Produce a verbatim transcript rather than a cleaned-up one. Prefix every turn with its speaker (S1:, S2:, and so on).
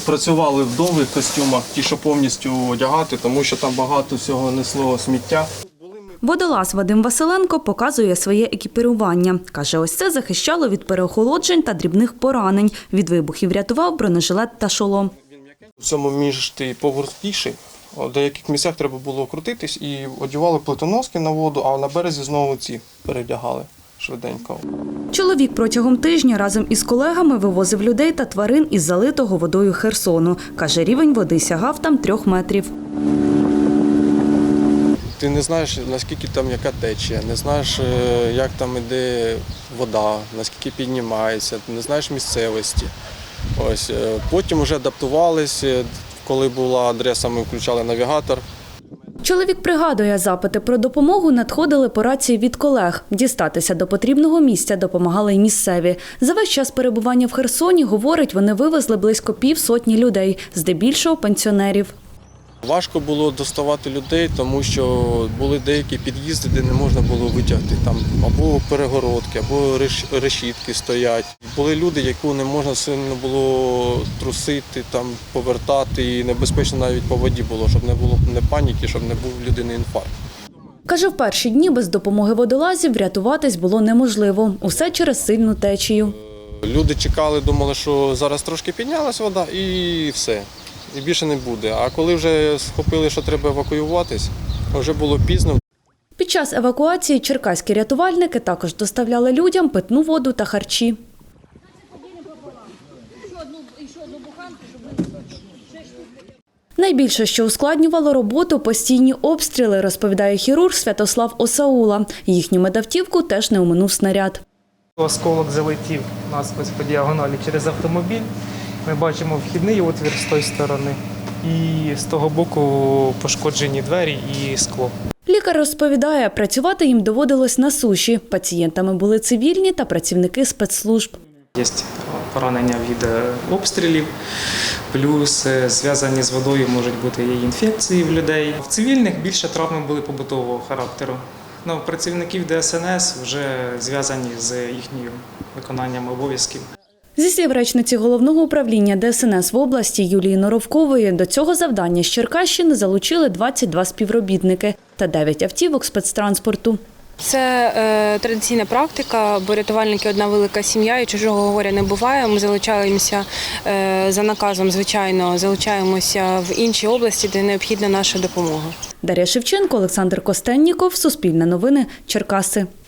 S1: працювали в довгих костюмах, ті, що повністю одягати, тому що там багато всього несло сміття.
S2: Водолаз Вадим Василенко показує своє екіпірування. Каже, ось це захищало від переохолоджень та дрібних поранень. Від вибухів рятував бронежилет та шолом.
S1: В цьому між ти поворотіший. В деяких місцях треба було крутитись і одягали плитоноски на воду, а на березі знову ці передягали швиденько.
S2: Чоловік протягом тижня разом із колегами вивозив людей та тварин із залитого водою Херсону. Каже, рівень води сягав там трьох метрів.
S1: Ти не знаєш, наскільки там яка течія, не знаєш, як там іде вода, наскільки піднімається, не знаєш місцевості. Ось, потім вже адаптувалися, коли була адреса, ми включали навігатор.
S2: Чоловік пригадує, запити про допомогу надходили по рації від колег. Дістатися до потрібного місця допомагали й місцеві. За весь час перебування в Херсоні, говорить, вони вивезли близько півсотні людей, здебільшого пенсіонерів.
S1: Важко було доставати людей, тому що були деякі під'їзди, де не можна було витягти. Там або перегородки, або решітки стоять. Були люди, яку не можна сильно було трусити, там, повертати, і небезпечно навіть по воді було, щоб не було не паніки, щоб не був у людини інфаркт.
S2: Каже, в перші дні без допомоги водолазів врятуватись було неможливо. Усе через сильну течію.
S1: Люди чекали, думали, що зараз трошки піднялась вода і все. І більше не буде. А коли вже схопили, що треба евакуюватись, вже було пізно.
S2: Під час евакуації черкаські рятувальники також доставляли людям питну воду та харчі. Найбільше, що ускладнювало роботу, постійні обстріли, розповідає хірург Святослав Осаула. Їхню медавтівку теж не оминув снаряд.
S3: Осколок залетів у нас ось по діагоналі через автомобіль. Ми бачимо вхідний отвір з тої сторони і з того боку пошкоджені двері і скло.
S2: Лікар розповідає, працювати їм доводилось на суші. Пацієнтами були цивільні та працівники спецслужб.
S3: Є поранення від обстрілів, плюс зв'язані з водою можуть бути і інфекції в людей. В цивільних більше травми були побутового характеру. Ну, працівників Де Ес Ен Ес вже зв'язані з їхнім виконанням обов'язків.
S2: Зі слів речниці Головного управління Де Ес Ен Ес в області Юлії Норовкової, до цього завдання з Черкащини залучили двадцять два співробітники та дев'ять автівок спецтранспорту.
S4: Це е, традиційна практика, бо рятувальники – одна велика сім'я і чужого горя не буває. Ми залучаємося е, за наказом, звичайно, залучаємося в інші області, де необхідна наша допомога.
S2: Дар'я Шевченко, Олександр Костенніков, Суспільне новини, Черкаси.